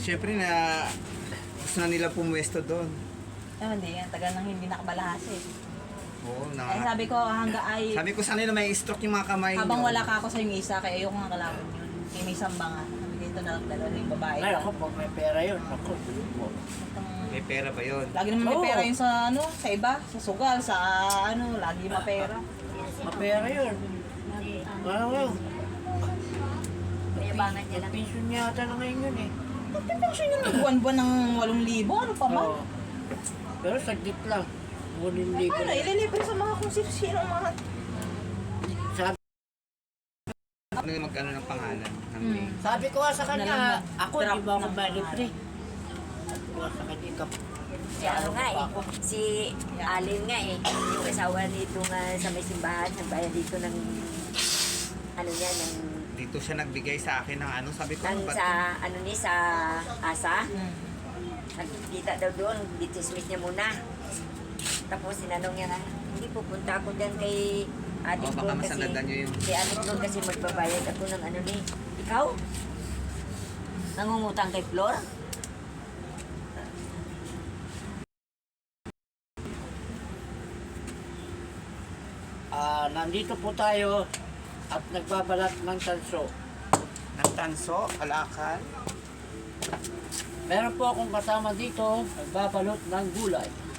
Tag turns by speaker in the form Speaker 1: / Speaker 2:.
Speaker 1: Siyempre na gusto na nila pumuwesto doon.
Speaker 2: Hindi, ang tagal nang hindi nakabalahas eh.
Speaker 1: Oo,
Speaker 2: Kaya sabi ko, hangga ay,
Speaker 1: Sabi ko sana na may stroke yung mga kamay
Speaker 2: habang
Speaker 1: nyo.
Speaker 2: wala ka ako sa yung isa, kaya ayoko nga kalaban yun. Kaya may samba nga. Sabi dito na lang dalawa yung babae.
Speaker 3: Ay, ako, pag may pera yun, ako, tulog mo.
Speaker 1: May pera ba yun?
Speaker 2: Lagi naman may
Speaker 3: Oo.
Speaker 2: pera yun sa ano, sa iba, sa sugal, sa ano, lagi mapera.
Speaker 3: Mapera yun. Wow.
Speaker 4: Mayabangan niya lang.
Speaker 3: Pension niya ata na ngayon yun eh.
Speaker 2: Kasi yun, buwan-buwan ng 8,000, ano pa man?
Speaker 3: Oo. Pero saglit lang. 8,000
Speaker 2: Ano,
Speaker 3: lang.
Speaker 2: ililibre sa mga kung sino mga...
Speaker 3: Sabi,
Speaker 1: Ano yung mag-ano ng pangalan? Ng
Speaker 2: Hmm.
Speaker 1: name?
Speaker 3: sabi ko nga sa kanya, ako
Speaker 2: Drop
Speaker 3: di ba ako
Speaker 2: ng
Speaker 3: malibre? Sabi ko nga sa kanya,
Speaker 4: Si ano nga eh, si Alin nga eh, yung asawa nito nga sa may simbahan, nagbayad dito ng, ano niya, ng,
Speaker 1: Dito siya nagbigay sa akin ng ano. Sabi ko,
Speaker 4: ng
Speaker 1: ba't-
Speaker 4: sa, ano ni, sa asa.
Speaker 2: Hmm.
Speaker 4: Nagkita daw doon, bitismis niya muna. Tapos sinanong niya na, hindi pupunta ako dyan kay Ate
Speaker 1: Oh, baka
Speaker 4: Flor kasi,
Speaker 1: masandadan niyo yung-
Speaker 4: kay Ate Flor kasi magbabayad ako ng ano ni, ikaw? Nangungutang kay Flor?
Speaker 3: nandito po tayo at nagbabalat ng tanso.
Speaker 1: ng tanso, kalakal.
Speaker 3: Meron po akong kasama dito, nagbabalot ng gulay.